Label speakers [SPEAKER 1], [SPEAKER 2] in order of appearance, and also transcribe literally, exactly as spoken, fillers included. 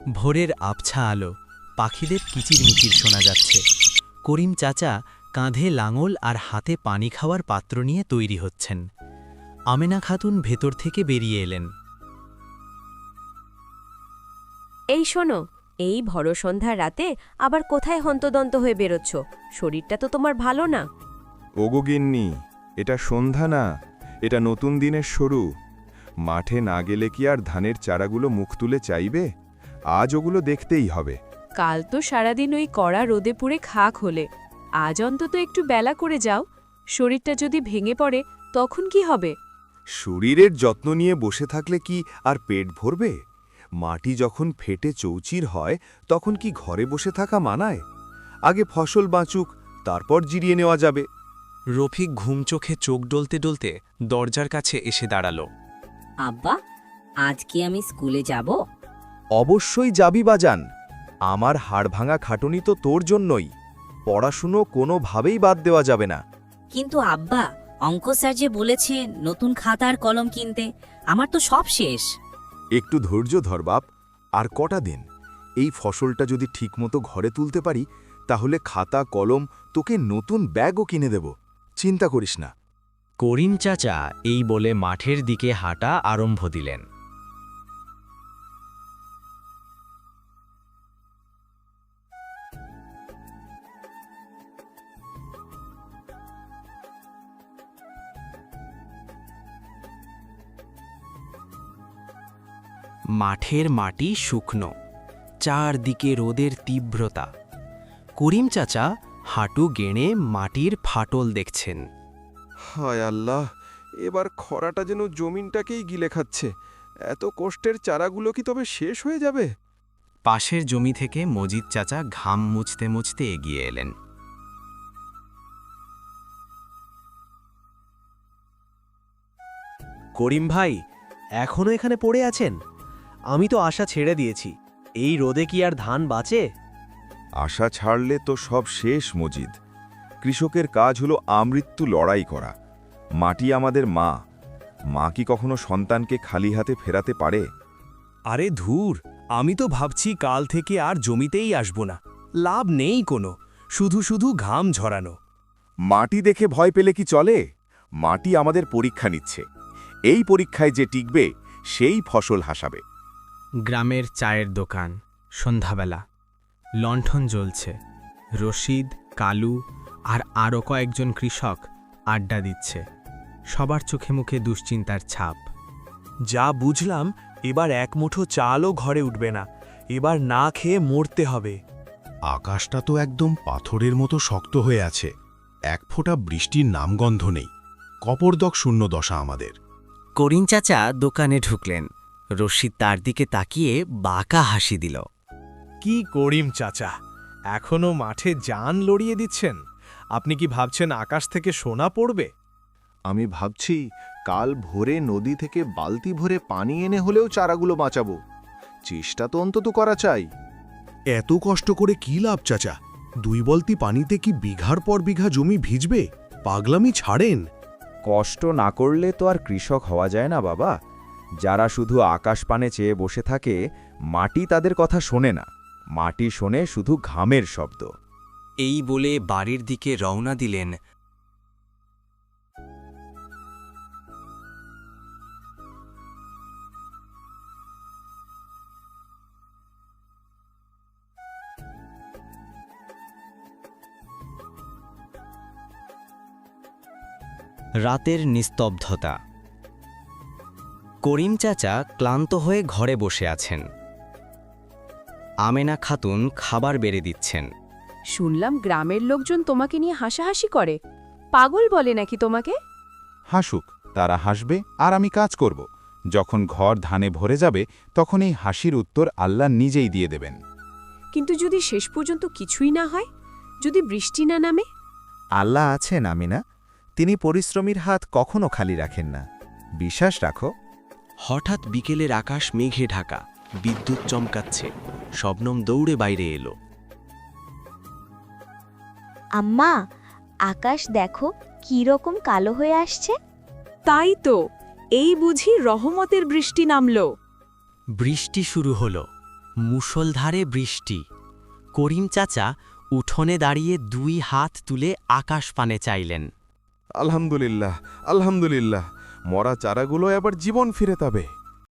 [SPEAKER 1] ভোরের আবছা আলো, পাখিদের কিচিরমিচির শোনা যাচ্ছে। করিম চাচা কাঁধে লাঙল আর হাতে পানি খাওয়ার পাত্র নিয়ে তৈরি হচ্ছেন। আমেনা খাতুন ভেতর থেকে বেরিয়ে এলেন।
[SPEAKER 2] এই শোনো, এই ভর সন্ধ্যার রাতে আবার কোথায় হন্তদন্ত হয়ে বেরোচ্ছ? শরীরটা তো তোমার ভালো না।
[SPEAKER 3] ওগো গিন্নি, এটা সন্ধ্যা না, এটা নতুন দিনের শুরু। মাঠে না গেলে কি আর ধানের চারাগুলো মুখ তুলে চাইবে? আজ ওগুলো দেখতেই হবে।
[SPEAKER 4] কাল তো সারাদিন ওই কড়া রোদে পুড়ে খাক হলে, আজ অন্তত একটু বেলা করে যাও। শরীরটা যদি ভেঙে পড়ে তখন কি হবে?
[SPEAKER 3] শরীরের যত্ন নিয়ে বসে থাকলে কি আর পেট ভরবে? মাটি যখন ফেটে চৌচির হয় তখন কি ঘরে বসে থাকা মানায়? আগে ফসল বাঁচুক, তারপর জিরিয়ে নেওয়া যাবে।
[SPEAKER 5] রফিক ঘুম চোখে চোখ ডলতে ডলতে দরজার কাছে এসে দাঁড়ালো।
[SPEAKER 6] আব্বা, আজ কি আমি স্কুলে যাব?
[SPEAKER 3] অবশ্যই যাবি বাজান। আমার হাড়ভাঙা খাটুনি তো তোর জন্যই। পড়াশুনো কোনোভাবেই বাদ দেওয়া যাবে না।
[SPEAKER 6] কিন্তু আব্বা, অঙ্ক স্যার যে বলেছে নতুন খাতা আর কলম কিনতে, আমার তো সব শেষ।
[SPEAKER 3] একটু ধৈর্য ধর বাপ, আর কটা দিন। এই ফসলটা যদি ঠিকমতো ঘরে তুলতে পারি তাহলে খাতা কলম তোকে নতুন ব্যাগও কিনে দেব, চিন্তা করিস না।
[SPEAKER 1] করিম চাচা এই বলে মাঠের দিকে হাঁটা আরম্ভ দিলেন। মাঠের মাটি শুকনো, চারদিকে রোদের তীব্রতা। করিম চাচা হাঁটু গেঁড়ে মাটির ফাটল দেখছেন।
[SPEAKER 3] হায় আল্লাহ, এবার খরাটা যেন জমিনটাকেই গিলে খাচ্ছে। এত কষ্টের চারাগুলো কি তবে শেষ হয়ে যাবে?
[SPEAKER 1] পাশের জমি থেকে মজিদ চাচা ঘাম মুছতে মুছতে এগিয়ে এলেন।
[SPEAKER 7] করিম ভাই, এখনো এখানে পড়ে আছেন? আমি তো আশা ছেড়ে দিয়েছি। এই রোদে কি আর ধান বাঁচে?
[SPEAKER 3] আশা ছাড়লে তো সব শেষ মজিদ। কৃষকের কাজ হলো আমৃত্যু লড়াই করা। মাটি আমাদের মা। মা কি কখনো সন্তানকে খালি হাতে ফেরাতে পারে?
[SPEAKER 5] আরে ধুর, আমি তো ভাবছি কাল থেকে আর জমিতেই আসব না। লাভ নেই কোনো, শুধু শুধু ঘাম ঝরানো।
[SPEAKER 3] মাটি দেখে ভয় পেলে কি চলে? মাটি আমাদের পরীক্ষা নিচ্ছে। এই পরীক্ষায় যে টিকবে সেই ফসল হাসাবে।
[SPEAKER 1] গ্রামের চায়ের দোকান, সন্ধ্যাবেলা, লণ্ঠন জ্বলছে। রশিদ, কালু আর আরও কয়েকজন কৃষক আড্ডা দিচ্ছে। সবার চোখে মুখে দুশ্চিন্তার ছাপ।
[SPEAKER 5] যা বুঝলাম, এবার এক মুঠো চালও ঘরে উঠবে না। এবার না খেয়ে মরতে হবে।
[SPEAKER 8] আকাশটা তো একদম পাথরের মতো শক্ত হয়ে আছে। এক ফোঁটা বৃষ্টির নামগন্ধ নেই। কপরদক শূন্য দশা আমাদের।
[SPEAKER 1] করিম চাচা দোকানে ঢুকলেন। রশিদ তার দিকে তাকিয়ে বাঁকা হাসি দিল।
[SPEAKER 5] কি করিম চাচা, এখনো মাঠে জান লড়িয়ে দিচ্ছেন? আপনি কি ভাবছেন আকাশ থেকে সোনা পড়বে?
[SPEAKER 3] আমি ভাবছি কাল ভোরে নদী থেকে বালতি ভরে পানি এনে হলেও চারাগুলো বাঁচাবো। চেষ্টা তো অন্তত করা চাই।
[SPEAKER 8] এত কষ্ট করে কি লাভ চাচা? দুই বলতি পানিতে কি বিঘার পর বিঘা জমি ভিজবে? পাগলামি ছাড়েন।
[SPEAKER 9] কষ্ট না করলে তো আর কৃষক হওয়া যায় না বাবা। যারা শুধু আকাশ পানে চেয়ে বসে থাকে, মাটি তাদের কথা শোনে না। মাটি শোনে শুধু ঘামের শব্দ।
[SPEAKER 1] এই বলে বাড়ির দিকে রওনা দিলেন। রাতের নিস্তব্ধতা। করিম চাচা ক্লান্ত হয়ে ঘরে বসে আছেন। আমেনা খাতুন খাবার বেড়ে দিচ্ছেন।
[SPEAKER 4] শুনলাম গ্রামের লোকজন তোমাকে নিয়ে হাসাহাসি করে, পাগল বলে নাকি তোমাকে?
[SPEAKER 10] হাসুক, তারা হাসবে আর আমি কাজ করব। যখন ঘর ধানে ভরে যাবে তখন এই হাসির উত্তর আল্লাহ নিজেই দিয়ে দেবেন।
[SPEAKER 4] কিন্তু যদি শেষ পর্যন্ত কিছুই না হয়, যদি বৃষ্টি না নামে?
[SPEAKER 9] আল্লাহ আছেন আমিনা, তিনি পরিশ্রমীর হাত কখনো খালি রাখেন না। বিশ্বাস রাখো।
[SPEAKER 1] হঠাৎ বিকেলের আকাশ মেঘে ঢাকা, বিদ্যুৎ চমকাচ্ছে। শবনম দৌড়ে বাইরে এলো।
[SPEAKER 11] আম্মা, আকাশ দেখো কি রকম কালো হয়ে আসছে।
[SPEAKER 4] তাই তো, এই বুঝি রহমতের বৃষ্টি নামল।
[SPEAKER 1] বৃষ্টি শুরু হলো।
[SPEAKER 12] মুষলধারে বৃষ্টি। করিম চাচা উঠোনে দাঁড়িয়ে দুই হাত তুলে আকাশ পানে চাইলেন।
[SPEAKER 13] আলহামদুলিল্লাহ, আলহামদুলিল্লাহ, মরা চারাগুলো এবার জীবন ফিরে পাবে।